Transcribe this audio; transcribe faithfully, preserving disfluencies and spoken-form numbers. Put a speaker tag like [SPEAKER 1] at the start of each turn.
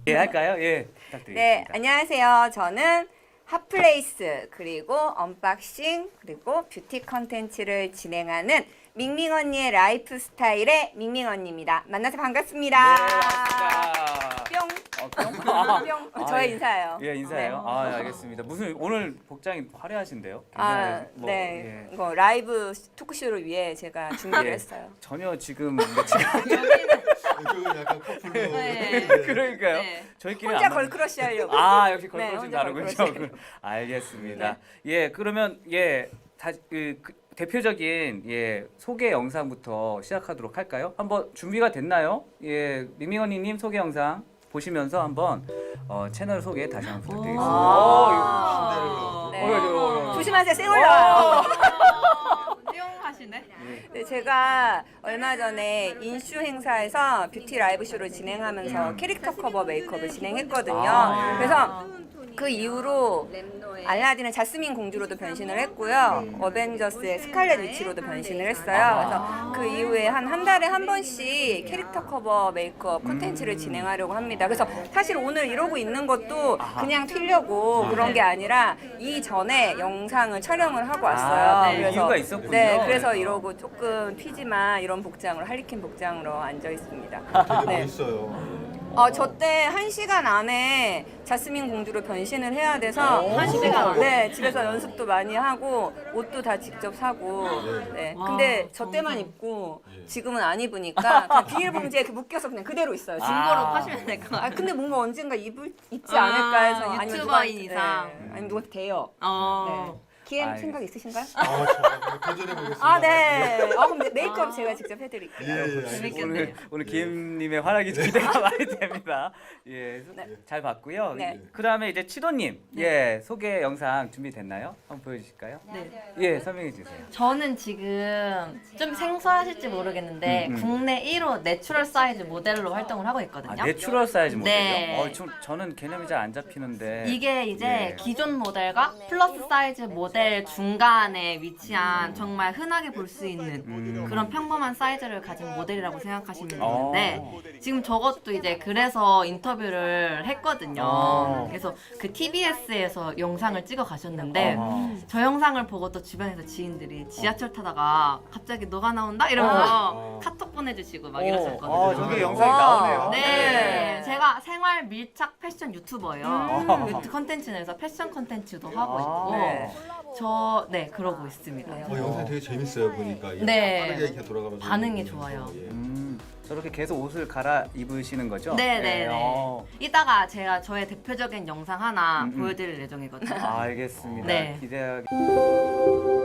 [SPEAKER 1] 예, 할까요? 예,
[SPEAKER 2] 네,
[SPEAKER 1] 부탁드리겠습니다.
[SPEAKER 2] 안녕하세요. 저는 핫플레이스 그리고 언박싱 그리고 뷰티 컨텐츠를 진행하는 밍밍 언니의 라이프 스타일의 밍밍 언니입니다. 만나서 반갑습니다.
[SPEAKER 1] 네, 반갑습니다.
[SPEAKER 2] 뿅.
[SPEAKER 1] 어, 뿅? 아,
[SPEAKER 2] 뿅.
[SPEAKER 1] 아,
[SPEAKER 2] 저의
[SPEAKER 1] 예.
[SPEAKER 2] 인사예요.
[SPEAKER 1] 예, 인사해요.
[SPEAKER 2] 네.
[SPEAKER 1] 아, 예, 알겠습니다. 무슨 오늘 복장이 화려하신데요?
[SPEAKER 2] 아,
[SPEAKER 1] 굉장히 뭐,
[SPEAKER 2] 네.
[SPEAKER 1] 예.
[SPEAKER 2] 이거 라이브 토크쇼를 위해 제가 준비를
[SPEAKER 1] 예.
[SPEAKER 2] 했어요.
[SPEAKER 1] 전혀 지금 며칠
[SPEAKER 3] 이쪽은 약간 커플로.
[SPEAKER 4] 네.
[SPEAKER 1] 그러니까요.
[SPEAKER 4] 네.
[SPEAKER 1] 저희끼리
[SPEAKER 2] 혼자
[SPEAKER 1] 안 맞-
[SPEAKER 2] 걸크러쉬 하려고.
[SPEAKER 1] 아, 역시
[SPEAKER 2] 네,
[SPEAKER 1] 걸크러쉬
[SPEAKER 2] 혼자
[SPEAKER 1] 다르군요.
[SPEAKER 2] 걸크러쉬.
[SPEAKER 1] 알겠습니다. 예, 그러면 예, 다, 그, 그 대표적인 예 소개 영상부터 시작하도록 할까요? 한번 준비가 됐나요? 예, 미밍언니님 소개 영상 보시면서 한번 어, 채널 소개 다시 한번 부탁드리겠습니다.
[SPEAKER 2] 아.
[SPEAKER 1] 어,
[SPEAKER 2] 네.
[SPEAKER 1] 이거- 어, 이거- 이거-
[SPEAKER 2] 조심하세요. 쌩 올라와요.
[SPEAKER 4] 띠용하시네.
[SPEAKER 2] 네, 제가 얼마 전에 인슈 행사에서 뷰티 라이브 쇼를 진행하면서 캐릭터 커버 메이크업을 진행했거든요.
[SPEAKER 1] 아, 네.
[SPEAKER 2] 그래서 그 이후로 알라딘의 자스민 공주로도 변신을 했고요. 어벤져스의 스칼렛 위치로도 변신을 했어요. 그래서 그 이후에 한 한 달에 한 번씩 캐릭터 커버 메이크업 콘텐츠를 진행하려고 합니다. 그래서 사실 오늘 이러고 있는 것도 그냥 튀려고 그런 게 아니라 이전에 영상을 촬영을 하고 왔어요.
[SPEAKER 1] 아, 네. 이유가 있었군요.
[SPEAKER 2] 네, 그래서 이러고 조금 튀지만 이런 복장으로 할리퀸 복장으로 앉아 있습니다.
[SPEAKER 3] 되게
[SPEAKER 2] 네.
[SPEAKER 3] 멋있어요.
[SPEAKER 2] 어, 저 때 한 시간 안에 자스민 공주로 변신을 해야 돼서
[SPEAKER 4] 한 시간 안에?
[SPEAKER 2] 네, 집에서 연습도 많이 하고 옷도 다 직접 사고 네.
[SPEAKER 4] 와,
[SPEAKER 2] 근데 저 때만
[SPEAKER 4] 정성.
[SPEAKER 2] 입고
[SPEAKER 3] 예.
[SPEAKER 2] 지금은 안 입으니까 그냥 비닐봉지에 이렇게 묶여서 그냥 그대로 있어요. 지금.
[SPEAKER 4] 중고로
[SPEAKER 1] 아.
[SPEAKER 4] 파시면 될 것
[SPEAKER 2] 아
[SPEAKER 4] 같아요.
[SPEAKER 2] 근데 뭔가 언젠가 입을 입지
[SPEAKER 4] 아,
[SPEAKER 2] 않을까 해서 아니면
[SPEAKER 4] 유튜버인
[SPEAKER 2] 누가-
[SPEAKER 4] 이상.
[SPEAKER 2] 네, 아니면 누구한테 대요.
[SPEAKER 4] 어.
[SPEAKER 2] 네. 기엠
[SPEAKER 1] 아이.
[SPEAKER 2] 생각 있으신가요?
[SPEAKER 3] 아, 저 도전해 보겠습니다.
[SPEAKER 2] 아 네. 어, 그럼 메이크업
[SPEAKER 4] 아.
[SPEAKER 2] 제가 직접 해드릴게요.
[SPEAKER 3] 예, 예, 알겠습니다.
[SPEAKER 4] 재밌겠네요.
[SPEAKER 1] 오늘 오늘 기엠님의 활약이 기대가 많이 됩니다. 예,
[SPEAKER 2] 네.
[SPEAKER 1] 잘 봤고요.
[SPEAKER 2] 네.
[SPEAKER 1] 그다음에 이제 치도님, 예 소개 영상 준비됐나요? 한번 보여주실까요?
[SPEAKER 4] 네.
[SPEAKER 1] 예, 설명해 주세요.
[SPEAKER 4] 저는 지금 좀 생소하실지 모르겠는데
[SPEAKER 1] 음, 음.
[SPEAKER 4] 국내 일 호 내추럴 사이즈 모델로 활동을 하고 있거든요.
[SPEAKER 1] 아, 내추럴 사이즈 모델요?
[SPEAKER 4] 네.
[SPEAKER 1] 어, 좀 저는 개념이 잘 안 잡히는데.
[SPEAKER 4] 이게 이제
[SPEAKER 1] 예.
[SPEAKER 4] 기존 모델과 플러스 사이즈 모델 중간에 위치한 정말 흔하게 볼 수 있는
[SPEAKER 1] 음.
[SPEAKER 4] 그런 평범한 사이즈를 가진 모델이라고 생각하시면
[SPEAKER 1] 어.
[SPEAKER 4] 되는데 지금 저것도 이제 그래서 인터뷰를 했거든요.
[SPEAKER 1] 어.
[SPEAKER 4] 그래서 그 티비에스에서 영상을 찍어 가셨는데
[SPEAKER 1] 어.
[SPEAKER 4] 저 영상을 보고 또 주변에서 지인들이 지하철 타다가 갑자기 너가 나온다 이러면서
[SPEAKER 3] 어.
[SPEAKER 4] 카톡 보내주시고 막
[SPEAKER 1] 어,
[SPEAKER 4] 이러셨거든요.
[SPEAKER 1] 아, 저게 영상이
[SPEAKER 2] 와.
[SPEAKER 1] 나오네요.
[SPEAKER 4] 네, 제가 생활 밀착 패션 유튜버예요.
[SPEAKER 1] 음.
[SPEAKER 4] 유튜브 컨텐츠 내에서 패션 컨텐츠도 하고
[SPEAKER 1] 아,
[SPEAKER 4] 있고
[SPEAKER 2] 네.
[SPEAKER 4] 저, 네, 그러고 있습니다.
[SPEAKER 3] 어, 영상 되게 재밌어요 보니까. 이게
[SPEAKER 4] 네.
[SPEAKER 3] 빠르게 이렇게 돌아가면서.
[SPEAKER 4] 반응이
[SPEAKER 3] 보면서,
[SPEAKER 4] 좋아요.
[SPEAKER 3] 예.
[SPEAKER 1] 음, 저렇게 계속 옷을 갈아 입으시는 거죠?
[SPEAKER 4] 네,
[SPEAKER 1] 예,
[SPEAKER 4] 네, 네.
[SPEAKER 1] 어.
[SPEAKER 4] 이따가 제가 저의 대표적인 영상 하나
[SPEAKER 1] 음, 음.
[SPEAKER 4] 보여드릴 예정이거든요.
[SPEAKER 1] 알겠습니다.
[SPEAKER 4] 네.
[SPEAKER 1] 기대하게.